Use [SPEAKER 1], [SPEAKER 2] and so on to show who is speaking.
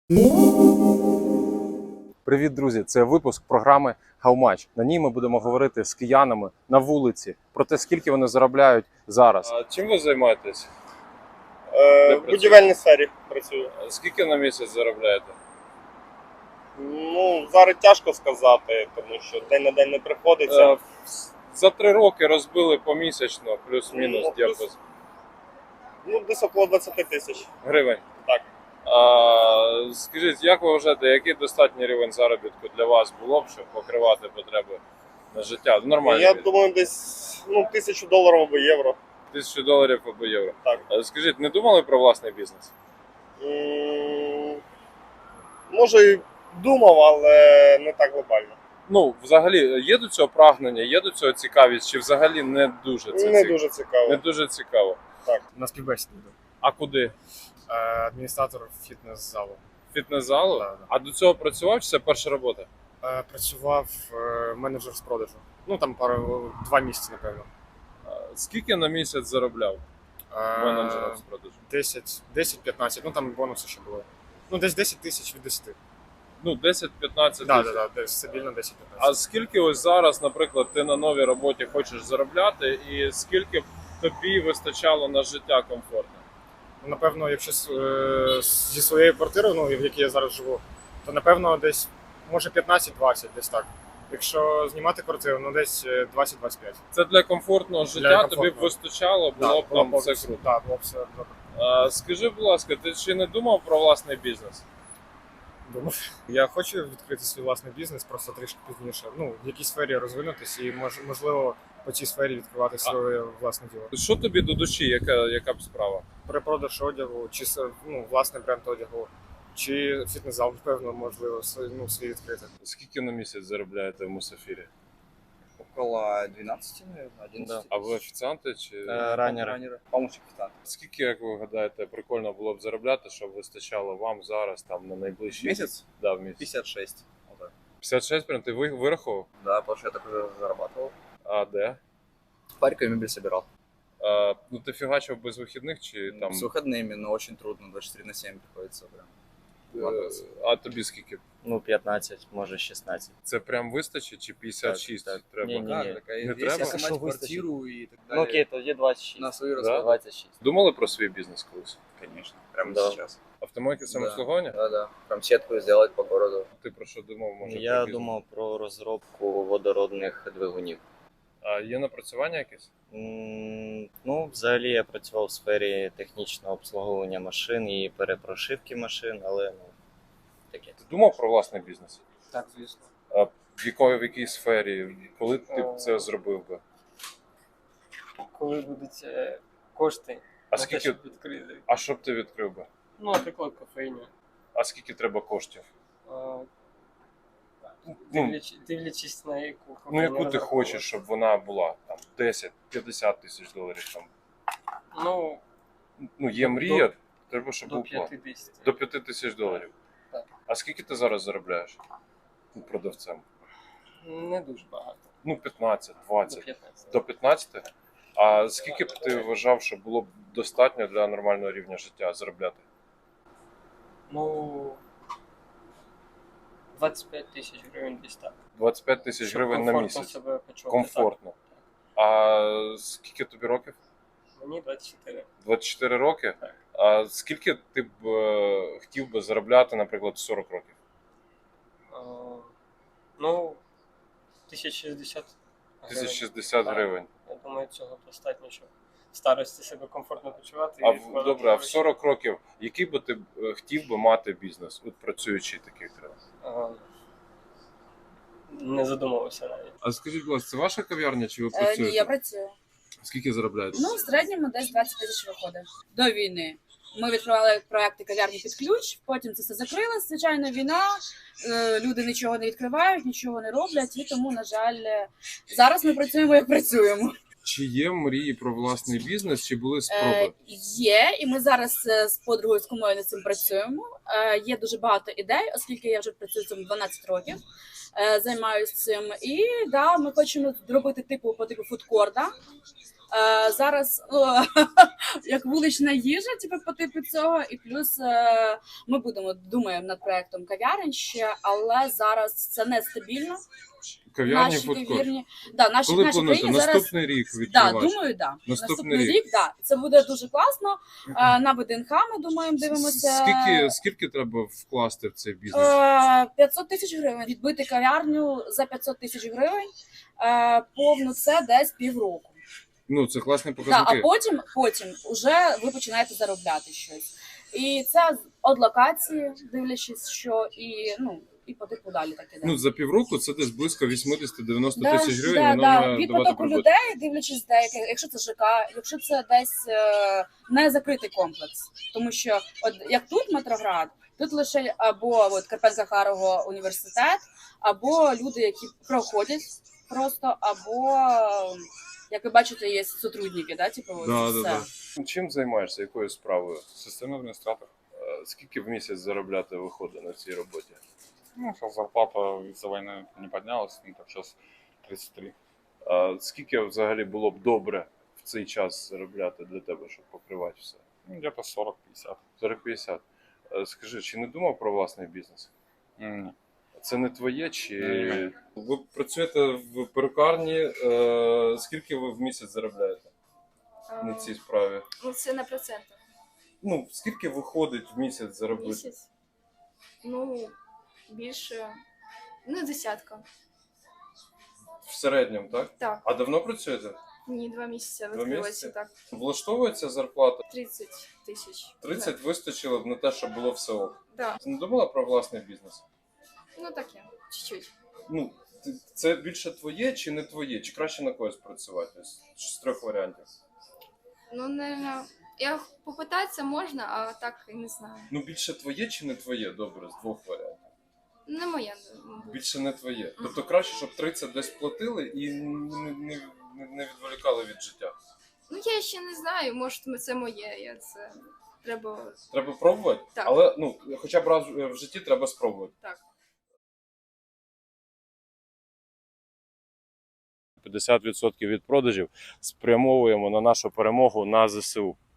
[SPEAKER 1] Привіт, друзі! Це випуск програми How Much. На ній ми будемо говорити з киянами на вулиці про те, скільки вони заробляють зараз. А чим ви займаєтесь?
[SPEAKER 2] В будівельній сфері працюю.
[SPEAKER 1] Скільки на місяць заробляєте?
[SPEAKER 2] Зараз тяжко сказати, тому що день на день не приходиться.
[SPEAKER 1] За 3 роки розбили помісячно, плюс-мінус діапазон.
[SPEAKER 2] Десь около 20 тисяч.
[SPEAKER 1] Гривень.
[SPEAKER 2] Так.
[SPEAKER 1] Скажіть, як ви вважаєте, який достатній рівень заробітку для вас було б, щоб покривати потреби на життя? Нормально.
[SPEAKER 2] Я думаю, десь $1000 або євро.
[SPEAKER 1] $1000 або євро.
[SPEAKER 2] Так.
[SPEAKER 1] Скажіть, не думали про власний бізнес?
[SPEAKER 2] Може і думав, але не так глобально.
[SPEAKER 1] Взагалі, є до цього прагнення, є до цього цікавість, чи взагалі не дуже це
[SPEAKER 2] Не дуже цікаво.
[SPEAKER 1] Не дуже цікаво.
[SPEAKER 2] Так.
[SPEAKER 3] На співбесіду йду.
[SPEAKER 1] А куди?
[SPEAKER 3] Адміністратор фітнес-залу.
[SPEAKER 1] Фітнес-залу?
[SPEAKER 3] Да.
[SPEAKER 1] А до цього працював, чи це перша робота?
[SPEAKER 3] Працював менеджер з продажу. Там 2 місяці, напевно.
[SPEAKER 1] Скільки на місяць заробляв менеджером з продажу?
[SPEAKER 3] 10-15, там бонуси ще були. Десь 10 тисяч від 10.
[SPEAKER 1] 10-15 тисяч.
[SPEAKER 3] Так, стабільно 10-15.
[SPEAKER 1] А скільки ось зараз, наприклад, ти на новій роботі хочеш заробляти, і скільки б тобі вистачало на життя комфортне?
[SPEAKER 3] Напевно, якщо зі своєю квартирою, в якій я зараз живу, то напевно десь, може 15-20, десь так. Якщо знімати квартиру, десь 20-25.
[SPEAKER 1] Це для комфортного життя тобі б вистачало, було б там все круто.
[SPEAKER 3] Так, було б все добре.
[SPEAKER 1] Скажи, будь ласка, ти ще не думав про власний бізнес?
[SPEAKER 3] Думав. Я хочу відкрити свій власний бізнес, просто трішки пізніше. В якій сфері розвинутися і можливо по цій сфері відкривати своє власне діло.
[SPEAKER 1] Що тобі до душі, яка б справа?
[SPEAKER 3] Перепродаж одягу, чи власний бренд одягу, чи фітнес-зал, певно, можливо, свій відкрити.
[SPEAKER 1] Скільки на місяць заробляєте в Мусафірі?
[SPEAKER 4] Около 12, наверное, 11.
[SPEAKER 1] Да. А ви офіціанти чи
[SPEAKER 3] Раннери.
[SPEAKER 4] Помощник официанта.
[SPEAKER 1] скільки, як ви гадаєте, прикольно було б заробляти, щоб вистачало вам зараз там на найближчі
[SPEAKER 4] Месяц?
[SPEAKER 1] Да, в місяць.
[SPEAKER 4] 56. Вот так.
[SPEAKER 1] 56 прям ти вирахував?
[SPEAKER 4] Да, потому что я так уже зарабатывал.
[SPEAKER 1] А де?
[SPEAKER 4] В Харькове мебель собирал.
[SPEAKER 1] Ти фігачив без вихідних чи там?
[SPEAKER 4] С выходными, но очень трудно. 24/7 приходится прям.
[SPEAKER 1] А тобі скільки?
[SPEAKER 5] 15, може 16.
[SPEAKER 1] Це прям вистачить чи 56
[SPEAKER 5] Так.
[SPEAKER 1] треба?
[SPEAKER 5] Ні.
[SPEAKER 1] Не треба?
[SPEAKER 4] Если
[SPEAKER 5] Что
[SPEAKER 4] снимать
[SPEAKER 5] выстачит?
[SPEAKER 4] квартиру и так
[SPEAKER 5] Ну
[SPEAKER 4] далее.
[SPEAKER 5] окей, тоді 26.
[SPEAKER 4] На свою
[SPEAKER 1] Да?
[SPEAKER 4] расходы.
[SPEAKER 5] 26.
[SPEAKER 1] Думали про свій бізнес колись?
[SPEAKER 4] Конечно, прямо
[SPEAKER 5] Да.
[SPEAKER 4] сейчас.
[SPEAKER 1] Автомойки самообслуговування?
[SPEAKER 4] Да. Прям сетку сделать по городу.
[SPEAKER 1] Ти про що думав? Може,
[SPEAKER 5] Я
[SPEAKER 1] про бізнес?
[SPEAKER 5] думав про розробку водородних двигунів.
[SPEAKER 1] А є напрацювання якесь?
[SPEAKER 5] Взагалі я працював в сфері технічного обслуговування машин і перепрошивки машин, але таке.
[SPEAKER 1] Ти думав про власний бізнес?
[SPEAKER 4] Так, звісно.
[SPEAKER 1] А в якій сфері? Коли ти б це зробив би?
[SPEAKER 6] Коли будуть кошти
[SPEAKER 1] А
[SPEAKER 6] на те,
[SPEAKER 1] скільки?
[SPEAKER 6] щоб відкрити.
[SPEAKER 1] А що б ти відкрив би?
[SPEAKER 6] Наприклад, кофейню.
[SPEAKER 1] А скільки треба коштів?
[SPEAKER 6] Дивлячись на яку
[SPEAKER 1] Ну, яку ти
[SPEAKER 6] розраховувати.
[SPEAKER 1] хочеш, щоб вона була там 10-50 тисяч доларів там. Є мрія, треба, щоб
[SPEAKER 6] До
[SPEAKER 1] був план.
[SPEAKER 6] 50.
[SPEAKER 1] До 5 тисяч доларів.
[SPEAKER 6] Так.
[SPEAKER 1] А скільки ти зараз заробляєш продавцем?
[SPEAKER 6] Не дуже багато.
[SPEAKER 1] 15, 20.
[SPEAKER 6] До 15.
[SPEAKER 1] До 15? А скільки б ти вважав, що було б достатньо для нормального рівня життя заробляти?
[SPEAKER 6] 25 тисяч гривень десь так.
[SPEAKER 1] 25 тисяч
[SPEAKER 6] Щоб
[SPEAKER 1] гривень на
[SPEAKER 6] комфортно
[SPEAKER 1] місяць.
[SPEAKER 6] себе почувати.
[SPEAKER 1] Комфортно. А скільки тобі років?
[SPEAKER 6] Так. Мені 24.
[SPEAKER 1] 24 роки?
[SPEAKER 6] Так.
[SPEAKER 1] А скільки ти б хотів би заробляти, наприклад, в 40 років?
[SPEAKER 6] 1060 гривень.
[SPEAKER 1] 1060
[SPEAKER 6] Так.
[SPEAKER 1] гривень.
[SPEAKER 6] Я думаю, цього достатньо, щоб в старості себе комфортно почувати.
[SPEAKER 1] А
[SPEAKER 6] і вкладати
[SPEAKER 1] добре, а в
[SPEAKER 6] гроші.
[SPEAKER 1] 40 років який би ти хотів би мати бізнес, от працюючи такий треба?
[SPEAKER 6] Не задумувався навіть.
[SPEAKER 1] А скажіть, будь ласка, це ваша кав'ярня чи ви
[SPEAKER 7] Ні, я працюю.
[SPEAKER 1] Скільки заробляєте?
[SPEAKER 7] В середньому десь 20 тисяч виходить. До війни. Ми відкривали проекти кав'ярні під ключ, потім це все закрилось. Звичайно, війна, люди нічого не відкривають, нічого не роблять, і тому, на жаль, зараз ми працюємо, як працюємо.
[SPEAKER 1] Чи є мрії про власний бізнес, чи були спроби?
[SPEAKER 7] Є, і ми зараз з подругою з кумою над цим працюємо. Є дуже багато ідей, оскільки я вже працюю цим 12 років, займаюся цим. І да, ми хочемо зробити по типу фудкорта. Зараз як вулична їжа, типу, по типу цього, і плюс ми думаємо над проектом кав'ярень ще, але зараз це нестабільно.
[SPEAKER 1] Кав'ярні,
[SPEAKER 7] Наші
[SPEAKER 1] фудкорт.
[SPEAKER 7] кав'ярні, да, наші
[SPEAKER 1] Коли
[SPEAKER 7] наші
[SPEAKER 1] плануєте?
[SPEAKER 7] країні зараз.
[SPEAKER 1] Наступний рік
[SPEAKER 7] Да,
[SPEAKER 1] відкривати?
[SPEAKER 7] думаю, да.
[SPEAKER 1] Наступний
[SPEAKER 7] рік, да. Це буде дуже класно. На ВДНХ ми думаємо, дивимося.
[SPEAKER 1] Скільки треба вкласти в цей бізнес?
[SPEAKER 7] 500 тисяч гривень. Відбити кав'ярню за 500 тисяч гривень. Повну це десь півроку.
[SPEAKER 1] Ну, це класні
[SPEAKER 7] Да,
[SPEAKER 1] показники.
[SPEAKER 7] а потім вже ви починаєте заробляти щось. І це від локації, дивлячись, що і по типу далі так іде.
[SPEAKER 1] Ну, за півроку це десь близько 80-90
[SPEAKER 7] Да,
[SPEAKER 1] тисяч гривень,
[SPEAKER 7] да,
[SPEAKER 1] воно
[SPEAKER 7] да.
[SPEAKER 1] має
[SPEAKER 7] Від
[SPEAKER 1] давати
[SPEAKER 7] потоку
[SPEAKER 1] прибуток.
[SPEAKER 7] людей, дивлячись деяке, якщо це ЖК, якщо це десь не закритий комплекс. Тому що, от як тут Метроград, тут лише або от Карпенко-Карого університет, або люди, які проходять просто, або, як ви бачите, є сотрудники, да, типу, от
[SPEAKER 1] Да,
[SPEAKER 7] все.
[SPEAKER 1] да, да. Чим займаєшся, якою справою?
[SPEAKER 8] Системный администратор.
[SPEAKER 1] Скільки в місяць заробляти виходить на цій роботі?
[SPEAKER 8] Ну, сейчас зарплата из-за войны не поднялась, ну, так сейчас 33.
[SPEAKER 1] А скільки взагалі було б добре в цей час заробляти для тебе, щоб покривати все?
[SPEAKER 8] Ну, где-то 40-50.
[SPEAKER 1] 40-50. Скажи, чи не думав про власний бізнес?
[SPEAKER 8] М,
[SPEAKER 1] Це не твоє чи.
[SPEAKER 8] Ні.
[SPEAKER 1] Ви працюєте в перукарні. Скільки ви в місяць заробляєте на цій справі?
[SPEAKER 9] Ну, це на проценти.
[SPEAKER 1] Ну, скільки виходить в місяць заробити?
[SPEAKER 9] Місяць. Ну, більше. Ну, десятка.
[SPEAKER 1] В середньому, так?
[SPEAKER 9] Так.
[SPEAKER 1] А давно працюєте?
[SPEAKER 9] Ні, 2 місяці
[SPEAKER 1] Два
[SPEAKER 9] відкрилося
[SPEAKER 1] місяці?
[SPEAKER 9] так.
[SPEAKER 1] Влаштовується зарплата?
[SPEAKER 9] 30 тисяч.
[SPEAKER 1] 30 вистачило б на те, щоб було все ок.
[SPEAKER 9] Да.
[SPEAKER 1] Ти не думала про власний бізнес?
[SPEAKER 9] Ну таке, чуть-чуть.
[SPEAKER 1] Ну, це більше твоє чи не твоє? Чи краще на когось працювати? З трьох варіантів.
[SPEAKER 9] Ну, не. Я попитатися можна, а так і не знаю.
[SPEAKER 1] Ну, більше твоє чи не твоє? Добре, з двох варіантів.
[SPEAKER 9] Не моє, мабуть.
[SPEAKER 1] Більше не твоє. Тобто краще, щоб 30 десь платили і не відволікали від життя.
[SPEAKER 9] Ну, я ще не знаю, може це моє, я це. Треба.
[SPEAKER 1] Треба пробувати,
[SPEAKER 9] Так.
[SPEAKER 1] але ну, хоча б раз в житті треба спробувати.
[SPEAKER 9] Так.
[SPEAKER 1] 50% від продажів спрямовуємо на нашу перемогу на ЗСУ.